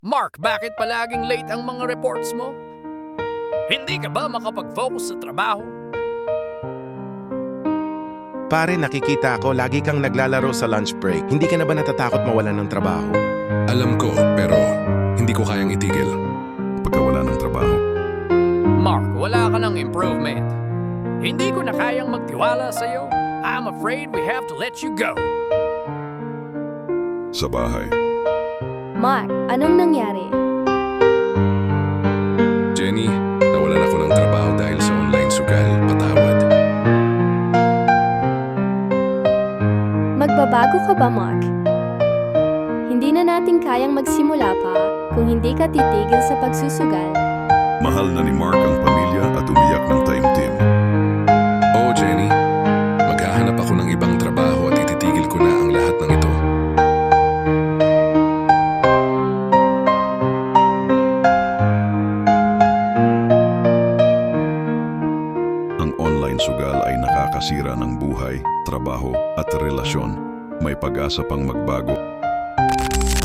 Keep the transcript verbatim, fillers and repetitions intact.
Mark, bakit palaging late ang mga reports mo? Hindi ka ba makapag-focus sa trabaho? Pare, nakikita ako lagi kang naglalaro sa lunch break. Hindi ka na ba natatakot mawalan ng trabaho? Alam ko, pero hindi ko kayang itigil pagkawala ng trabaho. Mark, wala ka ng improvement. Hindi ko na kayang magtiwala sa'yo. I'm afraid we have to let you go. Sa bahay. Mark, anong nangyari? Jenny, nawalan ako ng trabaho dahil sa online sugal. Patawad. Magbabago ka ba, Mark? Hindi na natin kayang magsimula pa kung hindi ka titigil sa pagsusugal. Mahal na ni Mark ang pamilya at umiyak ng time team. Oo, Jenny. Maghahanap ako ng ibang trabaho at ititigil ko na ang lahat ng ito. Ang online sugal ay nakakasira ng buhay, trabaho at relasyon. May pag-asa pang magbago.